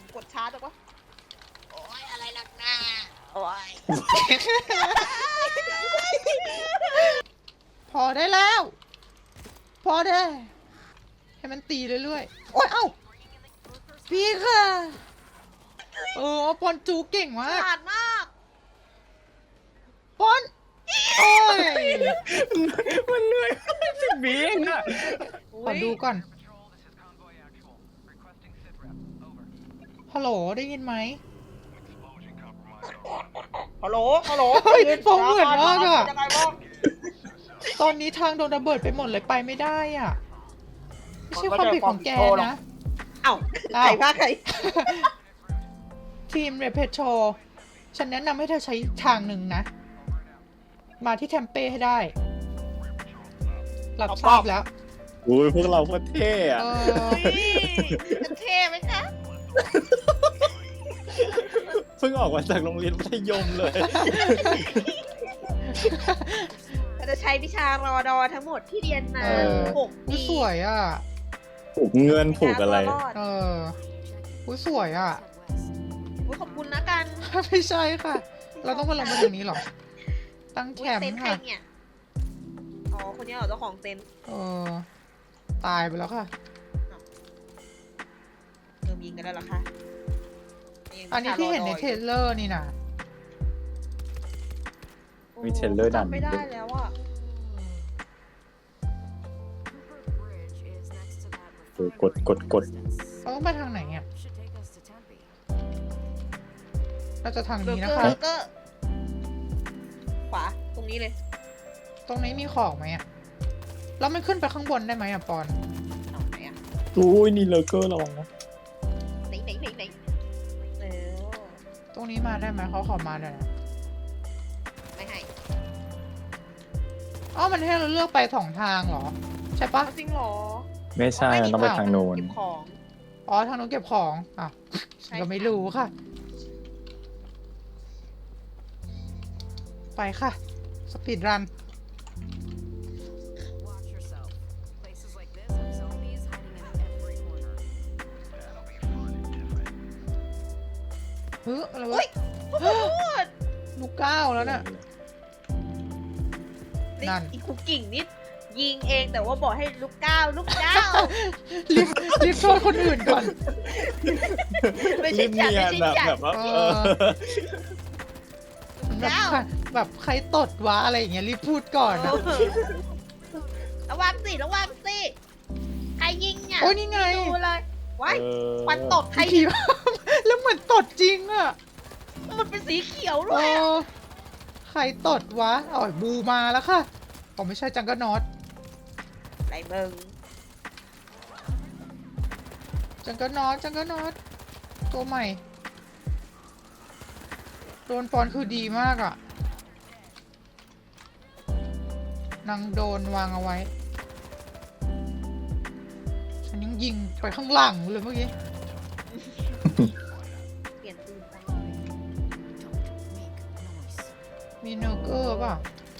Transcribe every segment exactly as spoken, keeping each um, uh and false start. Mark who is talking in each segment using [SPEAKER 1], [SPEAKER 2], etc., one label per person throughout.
[SPEAKER 1] กดช้าจังวะโอ้ยอะไรลักหน้าโอ้ย
[SPEAKER 2] พอได้แล้ว พอได้ให้มันตีเรื่อยๆโอ๊ยเอ้าพี่ค่ะเออปอนจูเก่งมาก
[SPEAKER 1] ขาดมาก
[SPEAKER 2] ปอนโอ้ย
[SPEAKER 3] มันเหนื่อยสิบวิเองอะ
[SPEAKER 2] ขอดูก่อนฮัลโหลได้ยินไหม
[SPEAKER 1] ฮัลโหลฮัลโหล
[SPEAKER 2] เฮ้ยฟองเหมือนมากอะ
[SPEAKER 1] ยังไงบ้าง
[SPEAKER 2] ตอนนี้ทางโดนระเบิดไปหมดเลยไปไม่ได้อ่ะไม่ใช่ความผิดของแกนะ
[SPEAKER 1] เอ้า
[SPEAKER 2] อ้าว
[SPEAKER 1] ใครพาใคร
[SPEAKER 2] ทีมเรเพโชฉันแนะนำให้เธอใช้ทางหนึ่งนะ มาที่แทมเป้ให้ได้รับทราบแล้ว
[SPEAKER 3] โอ้ยพวกเราโคตรเท่อะ
[SPEAKER 2] เออ
[SPEAKER 1] จะเท่ไหมคะ
[SPEAKER 3] เพิ่งออกมาจากโรงเรียนมัธยมเลย
[SPEAKER 1] เราจะใช้วิชารอดอทั้งหมดที่เรียนมา
[SPEAKER 3] เออ
[SPEAKER 1] หก
[SPEAKER 2] อุ๊
[SPEAKER 1] ปี
[SPEAKER 2] ยสวยอ่ะ
[SPEAKER 3] ผูกเงินผูกอะไร
[SPEAKER 1] รอด
[SPEAKER 2] เอออุ๊ยสวยอ่ะ
[SPEAKER 1] อุ๊ยขอบคุณนะกัน
[SPEAKER 2] ไม่ใช่ค่ะ เราต้องมาลงมาตรงนี้เหรอ ตั้งแค
[SPEAKER 1] อุ๊ย
[SPEAKER 2] ม
[SPEAKER 1] เต็น
[SPEAKER 2] ป์
[SPEAKER 1] ท์ใคร
[SPEAKER 2] ค่ะ
[SPEAKER 1] เนี่ยอ๋อคนนี้เหรอเจ้าของเต็นท์
[SPEAKER 2] เออ ตายไปแล้วค่ะ
[SPEAKER 1] เริ่มยิงกันแล้วเหรอคะยัง
[SPEAKER 2] อันนี้ที่เห็นในเทรลเลอร์นี่นะ
[SPEAKER 3] มีเทรลเลอร์ดัน
[SPEAKER 1] จำไม่ได้แล้วอ่ะ
[SPEAKER 3] เออกดกดกด
[SPEAKER 2] เราต้องไปทางไหนอ่ะเราจะทาง
[SPEAKER 1] เบอ
[SPEAKER 2] นี้
[SPEAKER 1] ร์
[SPEAKER 2] นะ
[SPEAKER 1] เกอ
[SPEAKER 2] คะ
[SPEAKER 1] ร์เบอร์เกอร์ขวาตรงนี้เลย
[SPEAKER 2] ตรงนี้มีของไหมอ่ะแล้วมันขึ้นไปข้างบนได้ไหมอ่ะปอน
[SPEAKER 1] เอาไหนอ่ะ
[SPEAKER 3] อุ้ยนี่เลเกอร์ลองนะ
[SPEAKER 1] ไหนไหนไหนไหนเออ
[SPEAKER 2] ตรงนี้มาได้ไหมเขาขอมาหน่อยนะ
[SPEAKER 1] ไม่ให้
[SPEAKER 2] อ๋อมันให้เราเลือกไปสองทางเหรอ ใช่ปะ
[SPEAKER 1] เอาจริงเหรอ
[SPEAKER 3] ไม่ใช่ มันต้องไปทางโน้น
[SPEAKER 1] เก็บของ
[SPEAKER 2] อ๋อทางนู้นเก็บของอ่ะ
[SPEAKER 1] ใช่
[SPEAKER 2] ก็ไม่รู้ค่ะ ไปค่ะ สปีดรัน เฮ้ยอะไรวะ
[SPEAKER 1] โอ้โห
[SPEAKER 2] ลูกก้าวแล้วน่ะ นั่น
[SPEAKER 1] อีคุกกิ่งนิดยิงเองแต่ว่าบอกให้ลูกก้าวลูกก้าว
[SPEAKER 2] รีบรีบโทษคนอื่นก่อน
[SPEAKER 1] ไม่ใช่
[SPEAKER 3] รีบ
[SPEAKER 1] ฉัน
[SPEAKER 3] เนีย
[SPEAKER 1] ไม่
[SPEAKER 3] น
[SPEAKER 1] ใช่
[SPEAKER 3] อะ
[SPEAKER 1] ฉัน
[SPEAKER 3] แบบว่า
[SPEAKER 2] เอ
[SPEAKER 3] เอ
[SPEAKER 2] อ
[SPEAKER 3] อ
[SPEAKER 2] แบบ
[SPEAKER 1] ก้าว
[SPEAKER 2] ใครแบบใครตดวะอะไรอย่างเงี้ยรีบพูดก่อนนะ
[SPEAKER 1] ระวังสิระวังสิใครยิงเนี่ย
[SPEAKER 2] โอ้ยนี่ไง
[SPEAKER 1] ดูเลยว้าย
[SPEAKER 3] เออ
[SPEAKER 1] ควันตดใคร
[SPEAKER 2] ผี แล้วเหมือนตดจริงอ่ะ
[SPEAKER 1] มันเป็นสีเขียว
[SPEAKER 2] เอ
[SPEAKER 1] ด้วยอะ
[SPEAKER 2] อใครตดวะอ๋อบูมาแล้วค่ะอ๋อไม่ใช่จังก็นอต
[SPEAKER 1] ไรเบิง
[SPEAKER 2] จังก็นอตจังก็นอตตัวใหม่โดนปอนคือดีมากอ่ะนางโดนวางเอาไว้ ฉันยังยิงไปข้างหลังเลยเมื่อกี้
[SPEAKER 1] เปลี่ยนปืนไป
[SPEAKER 2] มีเนอร์เกอร์ป่ะ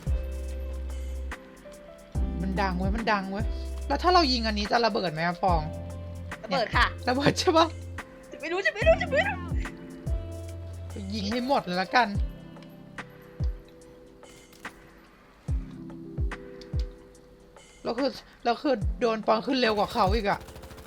[SPEAKER 2] มันดังเว้ย มันดังเว้ย แล้วถ้าเรายิงอันนี้จะระเบิดไหมอะฟอง
[SPEAKER 1] ระเบิดค่ะ
[SPEAKER 2] ระเบิดใช่ปะ
[SPEAKER 1] จะไม่รู้จะไม่รู้จะไม่รู้
[SPEAKER 2] ยิงให้หมดเลยละกัน แล้วคือแล้วคือโดนปอนขึ้นเร็วกว่าเขาอีกอะ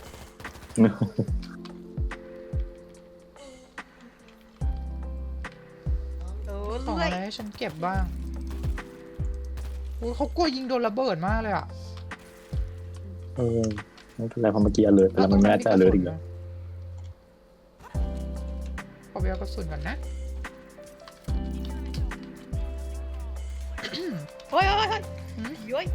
[SPEAKER 1] เออ
[SPEAKER 2] ของ
[SPEAKER 1] เลื่อ
[SPEAKER 2] อะ
[SPEAKER 1] ย
[SPEAKER 2] ไรให้ฉันเก็บบ้างอุ๊ยเขากลัวยิงโดนระเบิดมากเลยอะ
[SPEAKER 3] เออไม่เป็นไรเพราะเมื่อกี้ alert ไปแล้วมันไม่น่าจะ alert อีกแล้ว
[SPEAKER 2] ขอไปเอากระสุนก่อนนะ
[SPEAKER 1] เฮ้ยเฮ้ยเฮ้ย
[SPEAKER 2] หืม
[SPEAKER 1] ย้อย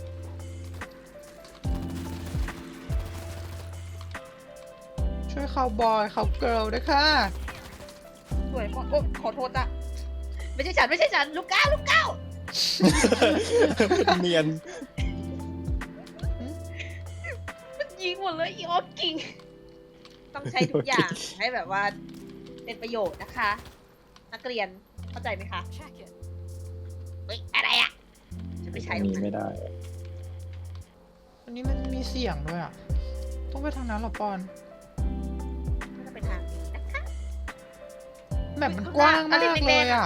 [SPEAKER 2] ช่วยเขาบอยเขาเกิร์ลด้วยค่ะ
[SPEAKER 1] สวยมากโอ้ขอโทษอะไม่ใช่ฉันไม่ใช่ฉันลูกก้าวลูกก้าว
[SPEAKER 3] เนียน
[SPEAKER 1] มันยิงหมดเลยอีออฟกิ่งต้องใช้ทุกอย่างให้แบบว่าเป็นประโยชน์นะคะ นักเรียนเข้าใจไหมคะเฮ้ยอะไรอะจะไม่ใช่
[SPEAKER 3] อัน
[SPEAKER 1] หรอก
[SPEAKER 3] นี้ไม่
[SPEAKER 1] นะ
[SPEAKER 3] ได้
[SPEAKER 2] อันนี้มันมีเสียงด้วยอะต้องไปทางนั้นเหรอปอน
[SPEAKER 1] น่าจะเป็นทางนี้นะค
[SPEAKER 2] แบบมันกว้างมากเลยอ่ะ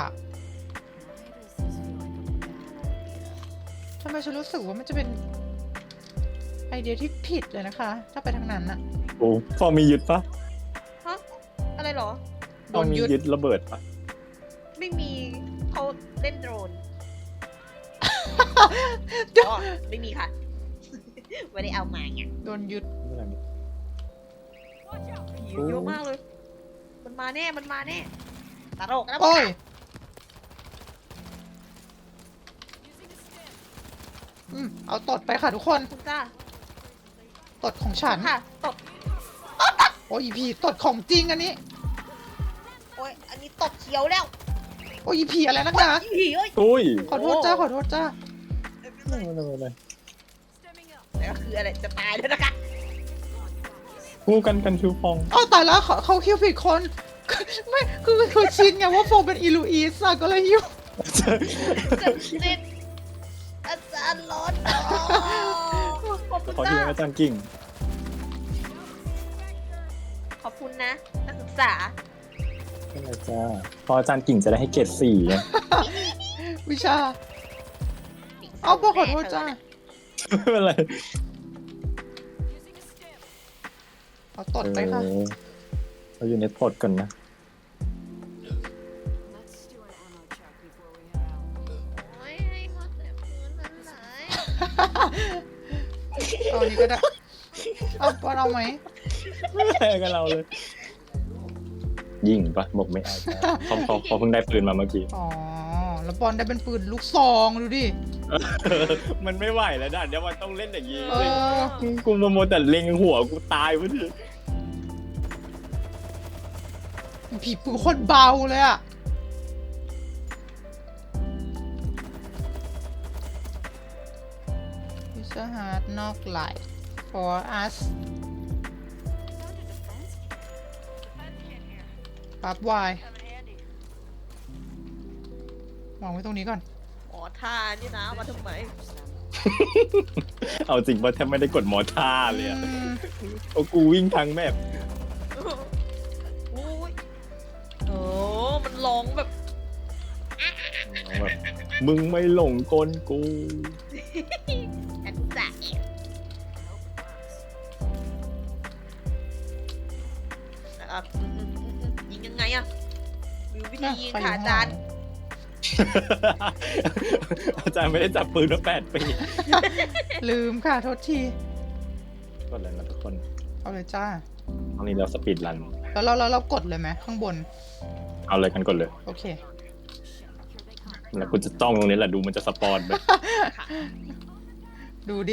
[SPEAKER 2] ทำไมฉันรู้สึกว่ามันจะเป็นไอเดียที่ผิดเลยนะคะ ถ้าไปทางนั้นอะ
[SPEAKER 3] โอ้ฟองมียึดปะ
[SPEAKER 1] ฮะอะไรเหรอ
[SPEAKER 3] ฟองมียึดระเบิดปะ
[SPEAKER 1] ไม่มีเขาเล่นโดรน
[SPEAKER 2] เดี๋ยว
[SPEAKER 1] อ๋อไม่มีค่ะ ไม่ได้เอามาไง
[SPEAKER 2] โดนยึด
[SPEAKER 3] ไม่เป็นไร
[SPEAKER 1] ผีเยอะมากเลย มันมาแน่ มันมาแน่ตลกนะ
[SPEAKER 2] โอ้ยอืมเอาตดไปค่ะทุกคน
[SPEAKER 1] คุณจ้า
[SPEAKER 2] ตดของฉัน
[SPEAKER 1] ค่ะตด
[SPEAKER 2] โอ้ยอีผีตดของจริงอันนี้
[SPEAKER 1] โอ้ยอันนี้ตดเขียวแล้ว
[SPEAKER 2] โอ้ยอีผีอะไรนักหนา
[SPEAKER 1] อีผีเอ้ย
[SPEAKER 3] อุ้ย
[SPEAKER 2] ขอโทษจ้าขอโทษจ้า
[SPEAKER 3] ไม่เป็นไรไม่เป็นไร
[SPEAKER 1] แต่ก็คืออะไรจะตายแล้วนะคะ
[SPEAKER 3] คู่กันกันคิวฟอง
[SPEAKER 2] เอาตายแล้วเขาเขาคิวผิดคน ไม่คือคือชินไงว่าโฟมเป็นอีลูอีสอะก็เลยยิ้ว
[SPEAKER 1] จะเล่นอาจารย์ร้อนอ๋อขอบคุณ
[SPEAKER 3] ขอ
[SPEAKER 1] จ้า
[SPEAKER 3] ที่อาจารย์กิ่ง
[SPEAKER 1] ขอบคุณนะนักศึกษา
[SPEAKER 3] ไม่เป็นไรจ้าพออาจารย์กิ่งจะได้ให้เกรดสี่ไง
[SPEAKER 2] วิชา เอาพอขอโทษจ้า
[SPEAKER 3] ไม่เป็นไร
[SPEAKER 2] เอาตดไปค่ะ
[SPEAKER 3] เออเราอยู่ในตดก่อนนะ
[SPEAKER 1] โอ้ยให้หมดแต่พื้นนั้นเลย
[SPEAKER 2] เอาอันนี้ก็ได้ เอาปอนเอาไหม
[SPEAKER 3] ไม่แพ้กับเราเลย ยิงปะบอกไม่เอาจ้าเขาเขาเขาเพิ่งได้ปืนมาเมื่อกี้
[SPEAKER 2] อ๋อ แล้วปอนได้เป็นปืนลูกซองดูดิ
[SPEAKER 3] มันไม่ไหวแล้วด่านเดี๋ยวมันต้องเล่นอย่างนี้
[SPEAKER 2] เออ
[SPEAKER 3] กูมาโมวแต่เล็งหัวกูตายพอดี
[SPEAKER 2] ผีปืนโคตรเบาเลยอะพิซซ่าฮัทนอกไลท์ for us ปั๊บวายวางไว้ตรงนี้ก่อน
[SPEAKER 1] หมอท่านี่นะมาทำไม
[SPEAKER 3] เอาจริงว่าแทบไม่ได้กดมอท่าเลยอะ
[SPEAKER 2] อืม
[SPEAKER 3] โอ้กูวิ่งทางแมพ
[SPEAKER 1] โอ้ยโอ้มันร้องแบบ
[SPEAKER 3] แบบมึงไม่หลงกลกู
[SPEAKER 1] ฉันจะเอ่ออืมอืมอืมอืมยิงยังไงอะมีวิธียิงค่ะอาจารย์
[SPEAKER 3] อาจารย์ไม่ได้จับปืนมาแปดปี
[SPEAKER 2] ลืมค่ะ โทษที
[SPEAKER 3] กดเลยนะทุกคน
[SPEAKER 2] เอาเลยจ้า
[SPEAKER 3] ตอนนี้เราสปีดรัน
[SPEAKER 2] แล้วเราเราเรากดเลยไหมข้างบน
[SPEAKER 3] เอาเลยกันกดเลย
[SPEAKER 2] โอเค
[SPEAKER 3] แล้วคุณจะจ้องตรงนี้แหละดูมันจะสปอนไป
[SPEAKER 2] ดูดิ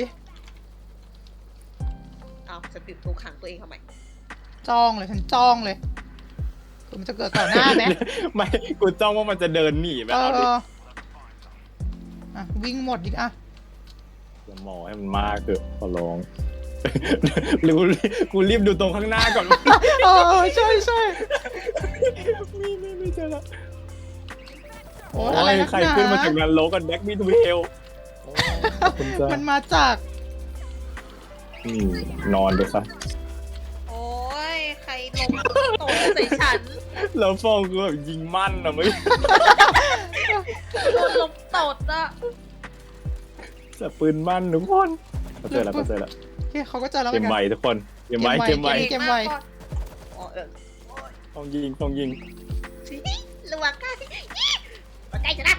[SPEAKER 1] เอาจะปิดตัวขังตัวเองทำไม
[SPEAKER 2] จ้องเลยฉันจ้องเลยคือมันจะเกิดต่อหน้าไหม
[SPEAKER 3] ไม่กูจ้องว่ามันจะเดินหนีไป
[SPEAKER 2] เอ
[SPEAKER 3] เอาดิ
[SPEAKER 2] ออ่ะวิ่งหมดดิอ่ะ
[SPEAKER 3] อย่าหมอให้มันมากเถอะขอร้อง หรือกูรีบดูตรงข้างหน้าก่อน
[SPEAKER 2] เออใช่ใช่
[SPEAKER 3] มีไม่ไม่เจอละ
[SPEAKER 2] โอ้
[SPEAKER 3] โอ้
[SPEAKER 2] ยอะไร
[SPEAKER 3] ย
[SPEAKER 2] นัก
[SPEAKER 3] ใคร
[SPEAKER 2] หนา
[SPEAKER 3] ขึ้นมาจากนั้นโลกันแบ็กมีทูเฮลคุณจะ
[SPEAKER 2] มันมาจาก
[SPEAKER 3] อืมนอนด้วยซะ
[SPEAKER 1] โอ้ยใครลงโตใส่ฉัน
[SPEAKER 3] แล้วฟองคือแบบยิงมั่นอะไม่
[SPEAKER 1] โดนลงตดอะ
[SPEAKER 3] แต่ปืนมั่นทุกคนก็เจอแล้วก็เจอแล้ว
[SPEAKER 2] โอเคเขาก็เจอแล้วเห
[SPEAKER 3] เก
[SPEAKER 2] มือ
[SPEAKER 3] ม
[SPEAKER 2] น
[SPEAKER 3] ไว
[SPEAKER 2] กัน
[SPEAKER 3] ทุกคนเกมไวเก
[SPEAKER 2] เก
[SPEAKER 3] ม
[SPEAKER 2] ม
[SPEAKER 3] ไว
[SPEAKER 2] ไว เกมไว
[SPEAKER 1] อ๋อเออ
[SPEAKER 3] ฟองยิงฟองยิง
[SPEAKER 1] ระวังกันมาใกล้จะนะ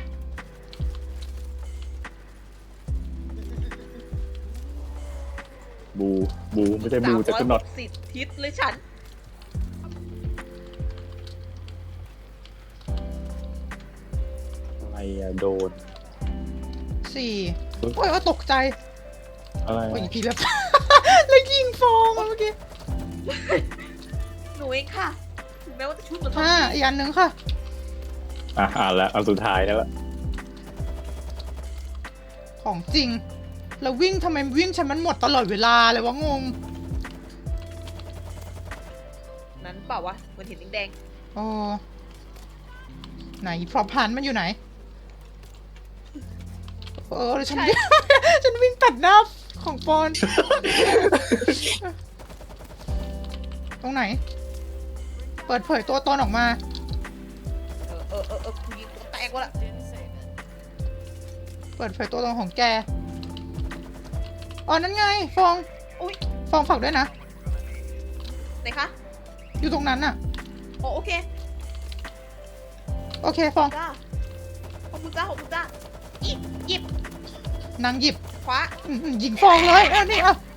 [SPEAKER 3] บูบูไม่ใช่บูจะกำหนด
[SPEAKER 1] สิบทิศเลยฉัน
[SPEAKER 3] อะไรอะโดน
[SPEAKER 2] สี่โอ้ยว่าตกใจ
[SPEAKER 3] อะไร
[SPEAKER 2] โอ้ย
[SPEAKER 3] อะ
[SPEAKER 2] พี่แล้ว แล้วยิงฟองอะเมื่อกี้
[SPEAKER 1] หนูเองค่ะ ถึงแม้ว่าจะชุดมัน
[SPEAKER 2] ห้าอีกอันหนึ่งค่ะ
[SPEAKER 3] อ่ะอ่านแล้วเอาสุดท้ายแล้วละ
[SPEAKER 2] ของจริง แล้ววิ่งทำไมวิ่งฉันมันหมดตลอดเวลาเลยวะงง
[SPEAKER 1] นั้นเปล่าวะเหมือนเห็นแดง
[SPEAKER 2] โอ้ไหนพรอพันมันอยู่ไหน เออแล้วฉันวิ่ง ฉันวิ่งตัดหน้าของปอน ตรงไหน เปิดเผยตัวตนออกมา
[SPEAKER 1] ๆอเออเออกูยิงตัวแตกวะล่ะ
[SPEAKER 2] เปิดไฟตัวตรงของแกอ๋อนั่นไงฟอง
[SPEAKER 1] อุ้ย
[SPEAKER 2] ฟองฝากด้วยนะ
[SPEAKER 1] ไหนคะ
[SPEAKER 2] อยู่ตรงนั้นน่ะ
[SPEAKER 1] โอ้โอเค
[SPEAKER 2] โอเคฟอง
[SPEAKER 1] จ้าขอบคุณจ้าขอบคุณจ้าอีหยิบ
[SPEAKER 2] นางหยิบ
[SPEAKER 1] คว้า
[SPEAKER 2] อืมอืมยิงฟองเลยอันนี้อ่ะ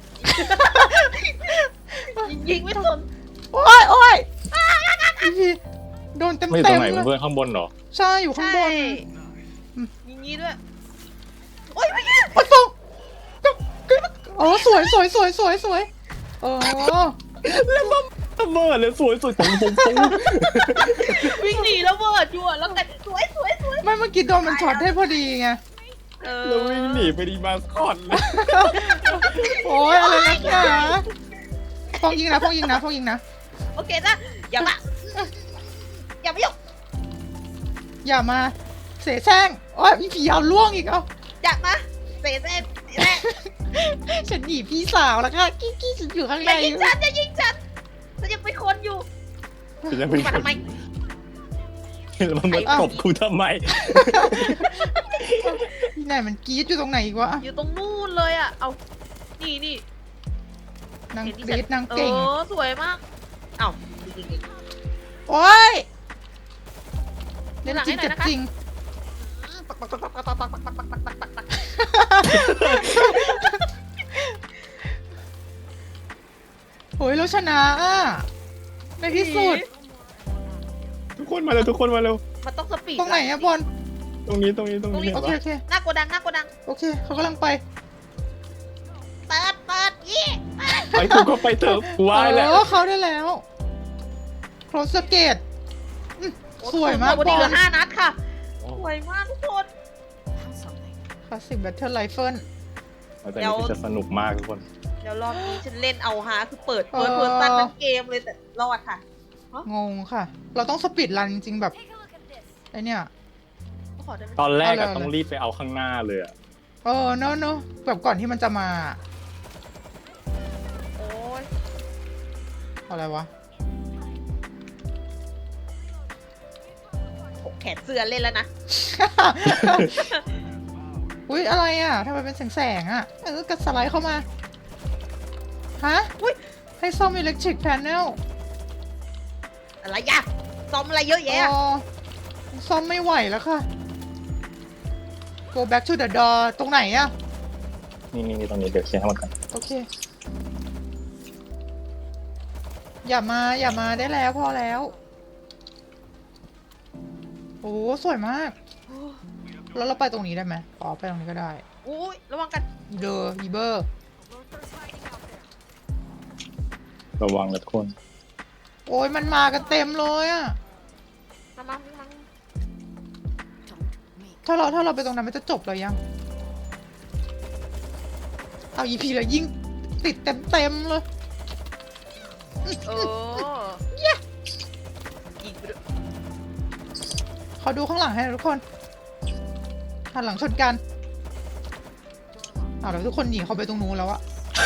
[SPEAKER 1] ยิงยิงไม่สน
[SPEAKER 2] โอ้ยโอ้ยพี่โดนเต็ม
[SPEAKER 3] ไม่อยู่ต
[SPEAKER 2] เต็
[SPEAKER 3] รง
[SPEAKER 2] ม
[SPEAKER 3] ไหน
[SPEAKER 2] เลย
[SPEAKER 3] เพื่อนข้างบนเหรอ
[SPEAKER 2] ใช่อยู่ข้างบน
[SPEAKER 1] ยิงงี้ด้วยโอ้ยไม่ใช่
[SPEAKER 2] โอ้ยฟองโอ้สวยสวยสวยสวยสวยโอ้
[SPEAKER 3] แล้วมันระเบิดเลยสวยสวยตรงตรงตรง
[SPEAKER 1] วิ่งหนีแล้วเบิดอยู่อะแล้วกันสวยสวยสวย
[SPEAKER 2] ไม่เมื่อกี้โดนมันช็อตให้พอดีไง
[SPEAKER 1] เออ
[SPEAKER 3] แล้ววิ่งหนีไปดีมาสคอตเลย
[SPEAKER 2] โอ้ยอะไรนักหนาฟองยิงนะฟองยิงนะฟองยิงนะ
[SPEAKER 1] โอเคนะอย่ามาอย่ามายุ่ง
[SPEAKER 2] อย่ามาเสแสร้งโอ้ยมีผีเอาล่วงอีกเอ้า
[SPEAKER 1] อย่ามาเตะเตะเตะ
[SPEAKER 2] ฉันหนีพี่สาวแล้วค่ะกี้กี้ฉันอยู่ข้าง
[SPEAKER 1] อ
[SPEAKER 2] ใน
[SPEAKER 1] ย่ายิงฉันอย่ายิงฉันฉันยังเป็นคนอยู่
[SPEAKER 3] จะเป็น
[SPEAKER 1] มาทำไม
[SPEAKER 3] แล้วมันมาตบกูทำไม
[SPEAKER 2] ที่ไหนมันกรี๊ดอยู่ตรงไหนอีกวะ
[SPEAKER 1] อยู่ตรงนู่นเลยอะเอานี่นี่
[SPEAKER 2] นาง
[SPEAKER 1] เห็น
[SPEAKER 2] ก
[SPEAKER 1] ที่
[SPEAKER 2] รี๊ด
[SPEAKER 1] ฉั
[SPEAKER 2] นางเก่ง
[SPEAKER 1] เออสวยมากเอ้ายิงยิง
[SPEAKER 2] โอ้ยเล่นจริงเจ็บจริง
[SPEAKER 1] ปักปักปักปักปักปักปักปักปักปักปักปักปัก
[SPEAKER 2] โอ้ยเราชนะอ่ะในที่สุด
[SPEAKER 3] ทุกคนมาเร็วทุกคนมาเร็ว
[SPEAKER 1] มันต้องสปีด
[SPEAKER 2] ตรงไหนอะบอล
[SPEAKER 3] ตรงนี้ตรงนี้ตรงนี้
[SPEAKER 2] โอเค
[SPEAKER 3] เห็น
[SPEAKER 2] โอเค
[SPEAKER 1] หน้าโกดังหน้าโกดัง
[SPEAKER 2] โอเคเขากำลังไป
[SPEAKER 1] เปิดเปิดยี่
[SPEAKER 3] ปะไปกูก็ไปเถอะกูว่าแล้ว
[SPEAKER 2] เออเขาได้แล้วโครสเกตสวยมาก
[SPEAKER 1] วัน
[SPEAKER 2] บ
[SPEAKER 1] นี้
[SPEAKER 2] อ
[SPEAKER 1] เหลื
[SPEAKER 2] ล
[SPEAKER 1] อห้านัดค่ะสวยมากทุกคน
[SPEAKER 2] คลาสสิกแบทเทิลไรเฟิล
[SPEAKER 3] แต่นี่จะสนุกมากทุกคน
[SPEAKER 1] เดี๋ยวรอบนี้ฉันเล่นเอาฮาคือเปิดเปิดเปิดตั้งทั้งเกมเลยแต่รอดค่ะ
[SPEAKER 2] งงค่ะ เราต้องสปีดรันจริงๆแบบไอเนี่ย
[SPEAKER 1] ขอได้ไหม
[SPEAKER 3] ตอนแรก
[SPEAKER 2] เอา
[SPEAKER 3] อะ
[SPEAKER 2] เลย
[SPEAKER 3] ต้องรีบไปเอาข้างหน้าเลยอะ
[SPEAKER 2] เออเนอะเนอะแบบก่อนที่มันจะมา
[SPEAKER 1] โอ้ย
[SPEAKER 2] อะไรวะ
[SPEAKER 1] ผมแขนเสื้อเล่นแล้วนะ
[SPEAKER 2] อุ้ยอะไรอ่ะทำไมเป็นแสงแสงๆอ่ะเออกระสไลด์เข้ามา ฮะ
[SPEAKER 1] อุ้ย
[SPEAKER 2] ให้ซ่อมอิเล็กทริกแพนเนล
[SPEAKER 1] อะไรยะซ้อมอะไรเยอะแยะ
[SPEAKER 2] อ๋อซ่อมไม่ไหวแล้วค่ะ go back to the door ตรงไหนอ่ะ
[SPEAKER 3] นี่นี่นี่ตรงนี้เดี๋ยวเคลียร์ให้หมดกัน
[SPEAKER 2] โอเค อย่ามา อย่ามาได้แล้วพอแล้ว โอ้สวยมาก แล้วเราไปตรงนี้ได้ไหมอ๋อไปตรงนี้ก็ได้
[SPEAKER 1] อุ้ยระวังกัน
[SPEAKER 2] อีเดอร์อีเบอร์
[SPEAKER 3] ระวังนะทุกคน
[SPEAKER 2] โอ้ยมันมากันเต็มเลยอะ
[SPEAKER 1] มามามา
[SPEAKER 2] ถ้าเราถ้าเราไปตรงนั้นมันจะจบเลยยัง เอาอีพีแล้วยิ่งติดเต็มเต็มๆเลย
[SPEAKER 1] เออยิงไปด้วย
[SPEAKER 2] เขาดูข้างหลังให้นะทุกคนหันหลังชนกันเอาแล้วทุกคนหนีเขาไปตรงนู้นแล้วอะ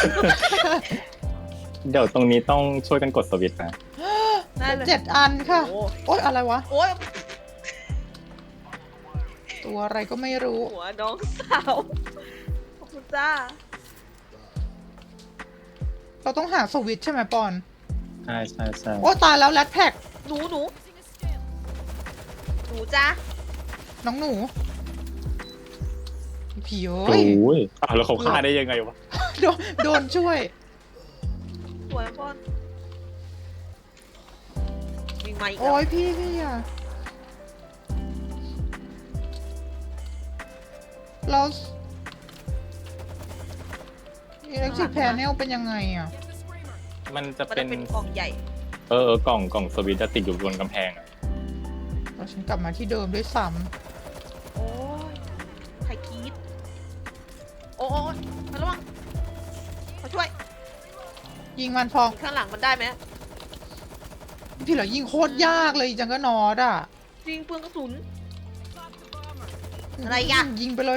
[SPEAKER 3] เดี๋ยวตรงนี้ต้องช่วยกันกดสวิตช์นะ
[SPEAKER 1] ได้เลย
[SPEAKER 2] เจ็ดอันค่ะ
[SPEAKER 1] โอ้
[SPEAKER 2] โอ๊ยอะไรวะ
[SPEAKER 1] โอ้ย
[SPEAKER 2] ตัวอะไรก็ไม่รู้
[SPEAKER 1] หัวน้องสาวขอบคุณจ้า
[SPEAKER 2] เราต้องหาสวิตช์ใช่ไหมปอน
[SPEAKER 3] ใช่ใช่ใช่
[SPEAKER 2] โอ้ตายแล้วแรดแพ็ก
[SPEAKER 1] หนูหนูหนูจ้า
[SPEAKER 2] น้องหนูผีเอ้
[SPEAKER 3] โอ้
[SPEAKER 2] ย
[SPEAKER 3] ยอ้าวแล้วเขาฆ่าได้ยังไงวะ
[SPEAKER 2] โดนโดนช่วย
[SPEAKER 1] สวยพ่อนมีไมค์อีก
[SPEAKER 2] โอ้
[SPEAKER 1] แล้ว
[SPEAKER 2] ยพี่พี่อะเราอิเล็กทริกแพนเนลเป็นยังไงอะ
[SPEAKER 3] มันจะ
[SPEAKER 1] มัน
[SPEAKER 3] เป็
[SPEAKER 1] จะ
[SPEAKER 3] น
[SPEAKER 1] เป็นกล่องใหญ่
[SPEAKER 3] เออเออกล่องกล่องสวิตช์จะติดอยู่บนกำแพงอะ
[SPEAKER 2] เราฉันกลับมาที่เดิมด้วยซ้
[SPEAKER 1] โอ้ยใครคีดโอ้ยมาระวังมาช่วย
[SPEAKER 2] ำยิงมันฟอง
[SPEAKER 1] ข้างหลังมันได้ไหม
[SPEAKER 2] พี่เหรอยิงโคตรยากเลยจังก็นอดอ่ะ
[SPEAKER 1] จริงเปลืองกระสุน อะไรอ่ะ
[SPEAKER 2] ยิงไปเลย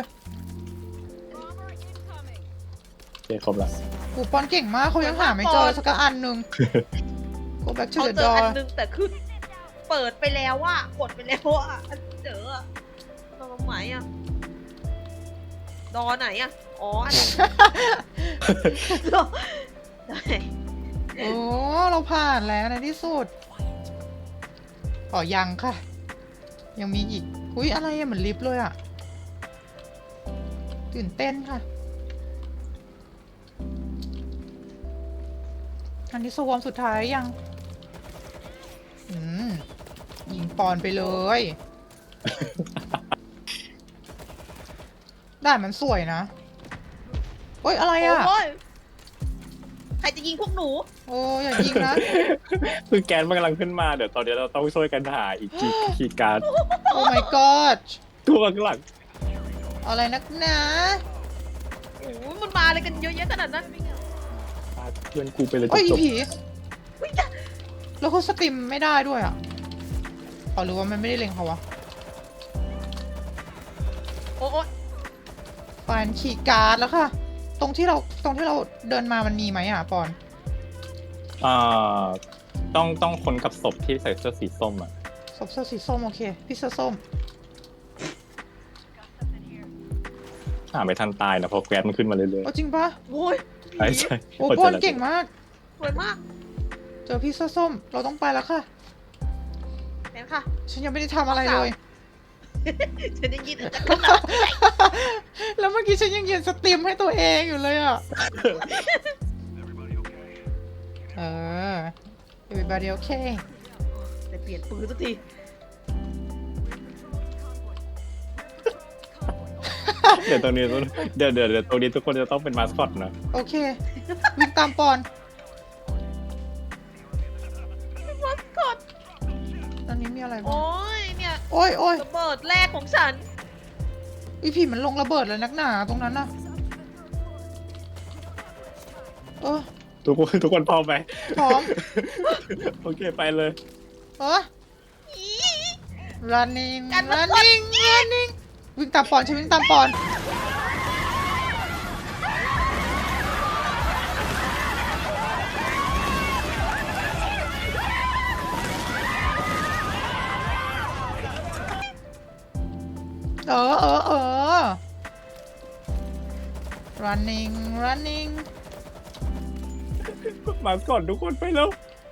[SPEAKER 3] โอเคครบละ
[SPEAKER 2] กูปอนเก่งมากเขายังหาไม่เจอสักอันหนึ่ง go back to
[SPEAKER 1] เขา
[SPEAKER 2] the
[SPEAKER 1] เจอ
[SPEAKER 2] door
[SPEAKER 1] อันนึงแต่คือเปิดไปแล้วว่ะกดไปแล้วว่ะเจออะตรงไหนอะดอไหนอะอ๋ออันนั้นดอไหน
[SPEAKER 2] โอ้เราผ่านแล้วในที่สุดอ๋อยังค่ะ ยังมีอีกอุ้ยอะไรอะเหมือนลิฟต์เลยอะตื่นเต้นค่ะ อันนี้สวอมสุดท้ายยัง อืมยิงปอนไปเลย ด่านมันสวยนะโอ้ยอะไรอะ
[SPEAKER 1] โอ้ยใครจะยิงพวกหนู
[SPEAKER 2] โอ้ยอย่ายิงนะ
[SPEAKER 3] คือแกนมันกำลังขึ้นมาเดี๋ยวตอนนี้เราต้องช่วยกันหาอีกคีย์คีย์การ์ด
[SPEAKER 2] โอ้ my god
[SPEAKER 3] ตัวข้างหลัง
[SPEAKER 2] อะไรนักหนา
[SPEAKER 1] โอ้ยมันมาอะไรกันเยอะแยะขนาดนั้น
[SPEAKER 3] พาเพื่อนกูไปเลย
[SPEAKER 2] โอ้ย
[SPEAKER 3] จ
[SPEAKER 2] อี
[SPEAKER 3] บ
[SPEAKER 2] ผีแล้วเขาสตรีมไม่ได้ด้วยอ่ะอ๋อหรือว่ามันไม่ได้เล็งเขาวะ
[SPEAKER 1] โอ้ย
[SPEAKER 2] ปานคีย์การ์ดแล้วค่ะ ตรงที่เราตรงที่เราเดินมามันมีไหมอ่ะปอน
[SPEAKER 3] ๆอ่าต้องต้องคนกับศพที่ใส่เสื้อสีส้มอ่ะ
[SPEAKER 2] ศพเสื้อสีส้มโอเคพี่เสื้อส้ม
[SPEAKER 3] หาไม่ทันตายนะเพราะแก๊สมันขึ้นมาเรื่อย
[SPEAKER 2] โอ้จริงปะ
[SPEAKER 1] โอ้ย
[SPEAKER 3] ๆใช่ใช่
[SPEAKER 2] โอ้ปอนเก่งมาก
[SPEAKER 1] สวยมาก
[SPEAKER 2] เจอพี่เสื้อส้มเราต้องไปแล้วค่ะ
[SPEAKER 1] เห็นค่ะ
[SPEAKER 2] ฉันยังไม่ได้ทำอะไรเลย
[SPEAKER 1] ฉันได้ยินแต่
[SPEAKER 2] แล้วเมื่อกี้ฉันยังยืนสตรีมให้ตัวเองอยู่เลยอ่ะ เออ everybody okay
[SPEAKER 1] จะเปลี่ยนปืนสักที
[SPEAKER 3] เดี๋ยวตรงนี้ต้องเดี๋ยวเดี๋ยวเดี๋ยวตรงนี้ทุกคนจะต้องเป็นมาสคอตนะ
[SPEAKER 2] โอเค วิ่งตามปอน
[SPEAKER 1] มัสคอต
[SPEAKER 2] อันนี้มีอะไรบ้าง
[SPEAKER 1] โอ้ยเนี่ย
[SPEAKER 2] โอ้ยโอ้ย
[SPEAKER 1] ระเบิดแรกของฉัน
[SPEAKER 2] อีผีมันลงระเบิดเลยนักหนาตรงนั้นน่ะเออ
[SPEAKER 3] ทุกคนทุกคนพร้อมไหม
[SPEAKER 2] พร้อม
[SPEAKER 3] โอเคไปเลย
[SPEAKER 2] เออ running
[SPEAKER 1] กันมา
[SPEAKER 2] running running วิ่งตามปอนฉันวิ่งตามปอน เออเออเออ running running
[SPEAKER 3] มาสคอตทุกคนไปแล้ว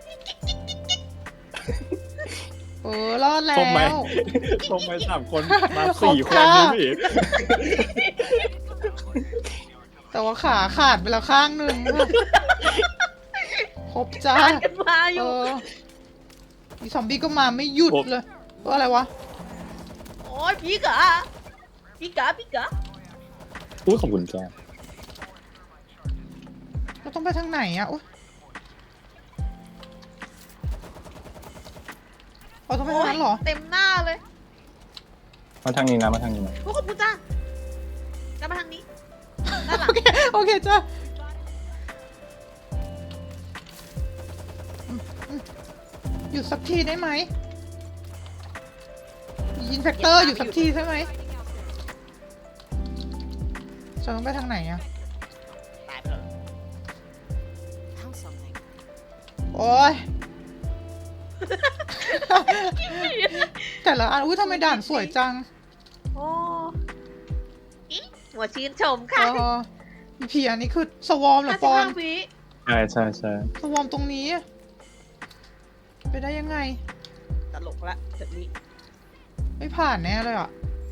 [SPEAKER 2] เออรอดแล้
[SPEAKER 3] ส้มไหม
[SPEAKER 2] ว
[SPEAKER 3] ส้มไหมสามคนมาสี่คนนี่พี่
[SPEAKER 2] แต่ว่าขาขาดไปแล้วข้างหนึ่งครบจ้า
[SPEAKER 1] ทานกันมาอ
[SPEAKER 2] เอยู่ อมีซอมบี้ก็มาไม่หยุดเลยเอออะไรวะ
[SPEAKER 1] โอ้ยพี่กะพี่กะพี่กะ
[SPEAKER 3] อุ้ยขอบคุณจ้า
[SPEAKER 2] เราต้องไปทางไหนอะอุ๊ยเราต้องไปทางนั้นเหรอ
[SPEAKER 1] เต็มหน้าเลย
[SPEAKER 3] มาทางนี้นะมาทางนี้นะ
[SPEAKER 1] โอ้ขอบคุณจ้าจะมาทางนี้ด้านหลัง
[SPEAKER 2] โอเค โอเคจ้าอืมอืมหยุดสักทีได้ไหมยินแฟกเตอร์หยุดสักทีใช่ไหมจะต้องไปทางไหนอะ
[SPEAKER 1] ตายไปแล้ว
[SPEAKER 2] โอ้ย แต่ละอันอุ้ยทำไมด่านสวยจัง
[SPEAKER 1] โอ้อิหัวชื่นชม
[SPEAKER 2] เอ
[SPEAKER 1] ค่ะ
[SPEAKER 2] ออีพีอันนี้คือสวอมเหรอ
[SPEAKER 1] ห้า
[SPEAKER 2] ป
[SPEAKER 1] สิบ
[SPEAKER 2] อน
[SPEAKER 1] ห้าวิ
[SPEAKER 3] ใช่ใช่ใช่
[SPEAKER 2] สวอมตรงนี้ ไปได้ยังไง
[SPEAKER 1] ตลกละแบบนี้
[SPEAKER 2] ไม่ผ่านแน่เลยอ่ะ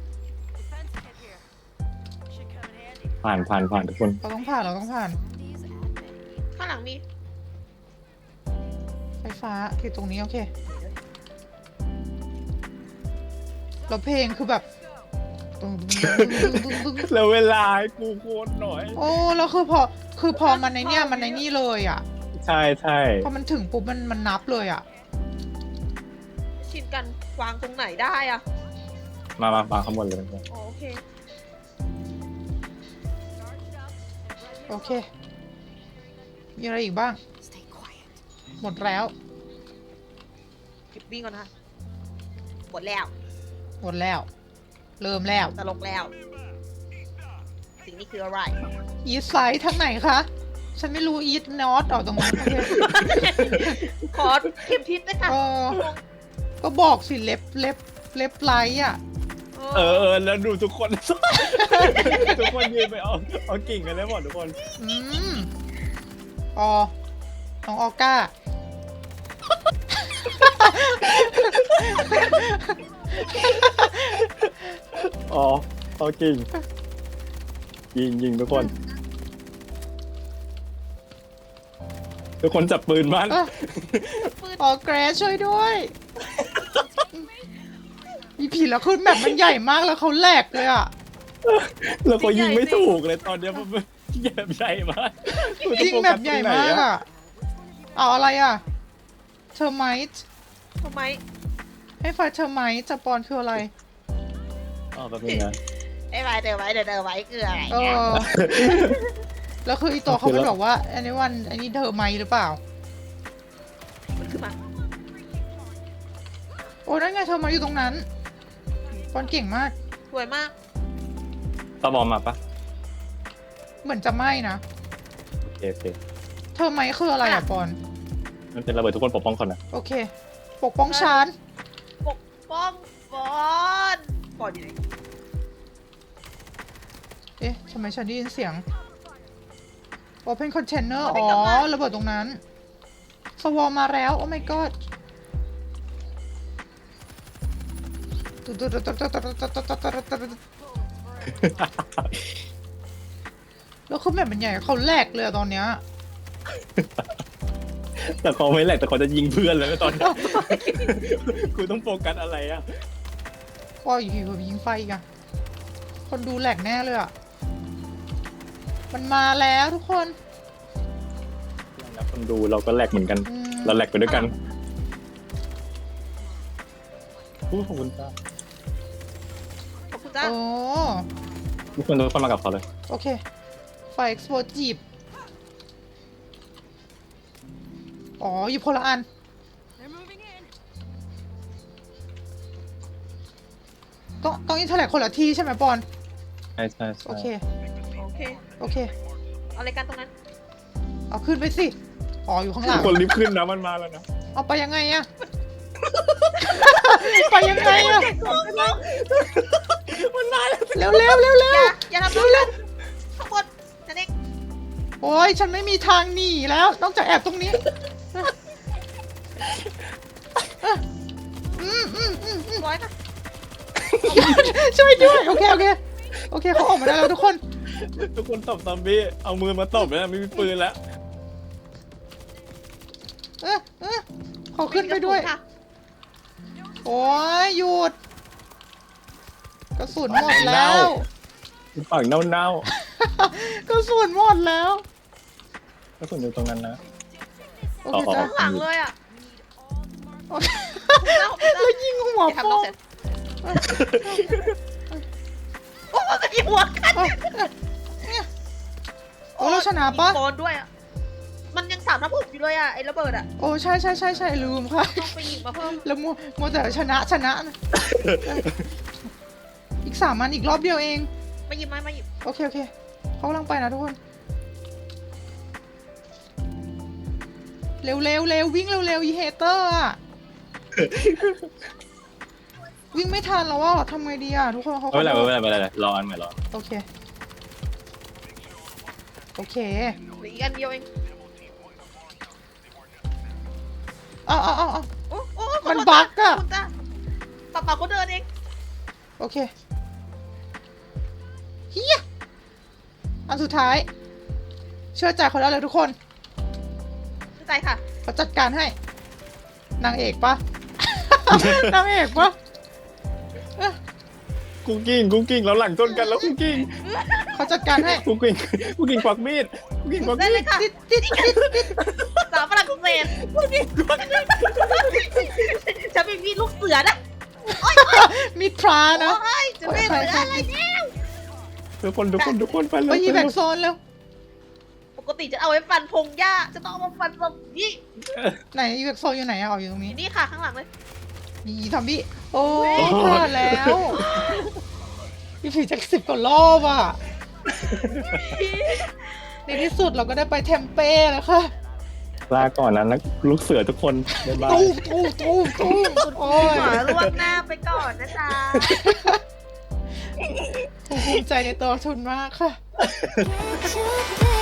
[SPEAKER 3] ผ่านผ่านผ่านทุกคน
[SPEAKER 2] เราต้องผ่านเราต้องผ่าน
[SPEAKER 1] ข้างหลังมี
[SPEAKER 2] ไฟฟ้าคือตรงนี้โอเคแล้วเพลงคือแบบตึงตึงตึงตึงตึง
[SPEAKER 3] แล้วเวลาให้กูโคตรหน่อย
[SPEAKER 2] โอ้แล้วคือพอคือพอมันในเนี้ยมันในนี่เลยอ่ะ
[SPEAKER 3] ใช่ใช่
[SPEAKER 2] พอมันถึงปุ๊บมันมันนับเลยอ่ะ
[SPEAKER 1] ชินกันวางตรงไหนได้อะ
[SPEAKER 3] มามามาข้างบนเลยกัน
[SPEAKER 1] อ๋อโอเค
[SPEAKER 2] โอเค มีอะไรอีกบ้าง หมดแล้ว
[SPEAKER 1] หยุดวิ่งก่อนนะคะหมดแล้ว
[SPEAKER 2] หมดแล้ว เริ่มแล้ว
[SPEAKER 1] ตลกแล้ว สิ่งนี้คืออะไร
[SPEAKER 2] อีทไซด์ทางไหนคะ ฉันไม่รู้อีทนอตออกตรงนั้นโอเค
[SPEAKER 1] ขอเข็มทิศด้วยค่ะ
[SPEAKER 2] เออก็บอกสิเล็บเล็บเล็บไลท์อ่ะ
[SPEAKER 3] เออเออแล้วดูทุกคน ทุกคนยืนไปเอาเอากิ่งกันแล้วหมดทุกคน
[SPEAKER 2] อืมออน้องออก้า
[SPEAKER 3] อ๋อเอากิ่งยิงยิงทุกคน ทุกคนจับปืนมัน
[SPEAKER 2] เอ้อออแกรช่วยด้วยมีผีแล้วคือแบบมันใหญ่มากแล้วเขาแหลกเลยอ่ะ
[SPEAKER 3] แล้วก็ยิงไม่ถูกเลยตอนเนี้ยมันใหญ่ใหญ่มาก
[SPEAKER 2] ยิงแบบใหญ่มากอ่ะเอาอะไรอ่ะเทอร์ไมต์
[SPEAKER 1] ทำไม
[SPEAKER 2] ให้ไฟเทอร์ไมต์จะปอนคืออะไร
[SPEAKER 3] อ๋อแบบนี้นะ
[SPEAKER 1] ไอ้ไว้เดินไว้เดินเดินไว้คืออะไร
[SPEAKER 2] เอ
[SPEAKER 1] เนี่ย
[SPEAKER 2] อ แล้วคืออีตัวเขาเป็นบอกว่าอันนี้วันอันนี้เทอร์ไมต์หรือเปล่า
[SPEAKER 1] มันขึ้นมา
[SPEAKER 2] โอ้นั่นไงเทอร์ไมต์อยู่ตรงนั้นปอนเก่งมาก
[SPEAKER 1] สวยมาก
[SPEAKER 3] ตะบอมมาปะ
[SPEAKER 2] เหมือนจะไหม้นะ
[SPEAKER 3] โอเคโอเค
[SPEAKER 2] เทอร์ไมต์คืออะไรอะปอน
[SPEAKER 3] มันเป็นระเบิดทุกคนปกป้องคนนะ
[SPEAKER 2] โอเค ปกป้องชาน
[SPEAKER 1] ปกป้องบอนบอนอยู่ไหน
[SPEAKER 2] เอ๊ะทำไมฉันได้ยินเสียง Open Container อ๋อ ระเบิดตรงนั้น สวอมาแล้ว โอ้ my god แล้วคือแบบมันใหญ่เขาแหลกเลยอะตอนเนี้ย
[SPEAKER 3] แต่เขาไม่แหลกแต่เขาจะยิงเพื่อนเลยตอนนี้ กูต้องโฟกัสอะไรอ่ะ
[SPEAKER 2] ปออยู่แบบยิงไฟอีกันคนดูแหลกแน่เลยอะมันมาแล้วทุกคน
[SPEAKER 3] แล้วคนดูเราก็แหลกเหมือนกัน
[SPEAKER 2] อืม
[SPEAKER 3] เราแหลกไปด้วยกันอู้ขอบคุณจ้า
[SPEAKER 1] ขอบคุณจ้า
[SPEAKER 2] โอ้
[SPEAKER 3] ทุกคนทุกคนมากับเขาเลย
[SPEAKER 2] โอเค ไฟเอ็กซ์โพจีบ อ๋อ อยู่คนละอัน ต้องต้องอินเทอร์แลกคนละที่ใช่ไหมปอน
[SPEAKER 3] ใช่ใช่ใช่
[SPEAKER 2] โอเค
[SPEAKER 1] โอเค
[SPEAKER 2] โอเค
[SPEAKER 1] เอาอะไรกันตรงนั้น
[SPEAKER 2] เอาขึ้นไปสิ อ๋อ อยู่ข้างหลั
[SPEAKER 3] ทุ
[SPEAKER 2] ง
[SPEAKER 3] กคนรีบขึ้นนะมันมาแล้วนะ
[SPEAKER 2] เอาไปยังไงอะ ไปยังไงอะ
[SPEAKER 3] มันมาแล้ว
[SPEAKER 2] เร็วเร็วเร็วเร็
[SPEAKER 1] อ
[SPEAKER 2] ว
[SPEAKER 1] ย่าอย่าทำน้องฉันข้างบนนั่นเอง
[SPEAKER 2] โอ้ยฉันไม่มีทางหนีแล้ว นอกจากแอบตรงนี้ อืมอืมอืมอืม
[SPEAKER 1] ร้อยนะ
[SPEAKER 2] ช่วยด้วย โอเค โอเค โอเคเขาออกมาได้แล้วทุกคน
[SPEAKER 3] ทุกคนตบซอมบี้เอามือมาตบแล้วไม่มีปืนแล้ว
[SPEAKER 2] เออเออขอขึ้นไปด้วย
[SPEAKER 1] ค่ะ
[SPEAKER 2] โอ้ยหยุด กระสุนหมดแล้ว
[SPEAKER 3] ฝั่งเน่าก
[SPEAKER 2] ระสุนหมดแล้ว
[SPEAKER 3] ๆก็ส่วนอยู่ตรงนั้นนะ
[SPEAKER 2] โอเคจ้ะ
[SPEAKER 1] ข้างหลังเลยอ่ะ
[SPEAKER 2] โอเค
[SPEAKER 1] เล่า
[SPEAKER 2] แล้วยิงหัว
[SPEAKER 1] อย่า
[SPEAKER 2] โป้
[SPEAKER 1] ทำน้อง
[SPEAKER 2] ง
[SPEAKER 1] ฉันโอ้โหจะยิงหัวกัน
[SPEAKER 2] โอ้เราชนะปะ
[SPEAKER 1] ยิงโดนด้วยอ่ะ มันยังสามทับหกอยู่เลยอ่ะไอ้ระเบิดอ่ะ
[SPEAKER 2] โอ้ใช่ใช่ใช่ใช่ลืมค่ะ
[SPEAKER 1] ต้องไปยิงมาเพิ่ม
[SPEAKER 2] แล้วมัวมัวแต่ชนะชนะนะอีกสามมันอีกรอบเดียวเอง
[SPEAKER 1] มาหยิบมามาหยิบ
[SPEAKER 2] โอเค โอเคเขากำลังไปนะทุกคน เร็วเร็วเร็ววิ่งเร็วเร็วอีเฮเตอร์อะ วิ่งไม่ทันแล้วว่าทำไงดีอะทุกคนเขา
[SPEAKER 3] ไม่เป็นไรไม่เป็นไรไม่เป็นไรรออันใหม่รอ
[SPEAKER 2] โอเค โอเค
[SPEAKER 1] เหลืออีกอันเดียวเอง
[SPEAKER 2] เอาเอาเอาเอา
[SPEAKER 1] โอ้โอ้
[SPEAKER 2] มันบั๊กอะ
[SPEAKER 1] ขบคุณจ้าปะปะเขาเดินเอง
[SPEAKER 2] โอเคเฮียอันสุดท้าย เชื่อใจเขาได้เลยทุกคน
[SPEAKER 1] เข้าใจค่ะ
[SPEAKER 2] เขาจัดการให้ นางเอกปะ นางเอกปะเอ้ย
[SPEAKER 3] คุกกิ้งคุกกิ้งเราหลังชนกันแล้วคุกกิ้ง
[SPEAKER 2] เขาจัดการให้
[SPEAKER 3] คุกกิ้งคุกกิ้งควักมีดคุกกิ้งควัก
[SPEAKER 1] ได้
[SPEAKER 3] มี
[SPEAKER 1] เล
[SPEAKER 3] ด
[SPEAKER 1] ยค่ะ
[SPEAKER 2] ติดติดติดติด
[SPEAKER 1] สาวฝรั่งเศสจะเป็นมีลูกเสือนะ
[SPEAKER 2] มีทรานะ
[SPEAKER 1] โอ้ยจะเป็นเสืออะไรเนี่ย
[SPEAKER 3] ทุกคนทุกคนทุกคนไปเล
[SPEAKER 2] ไป
[SPEAKER 3] ย
[SPEAKER 2] ยีแบกโซนเร็ว
[SPEAKER 1] ปกติจะเอาไว้ฟันพงหญ้า จะต้องเอามาฟันตรงนี้
[SPEAKER 2] ไหนยีแบกโซนอยู่ไหนอะอ๋ออยู่ตรงนี้
[SPEAKER 1] นี่ค่ะข้างหลังเลย
[SPEAKER 2] มีทอมบี้โอ้ยพลาดแล้วพี่ผีจากสิบกว่ารอบอ่ะ ในที่สุดเราก็ได้ไปเทมเป้แล้วค่ะ
[SPEAKER 3] ลาก่อนนะนักลูกเสือทุกคนบ๊ายบาย
[SPEAKER 2] ตู้ตู้ตู้ตู้โอ้ย
[SPEAKER 1] ขอล่วงหน้าไปก่อนนะจ๊ะ
[SPEAKER 2] ผมภูมิใจในตัวทุนมากค่ะ
[SPEAKER 4] Catch a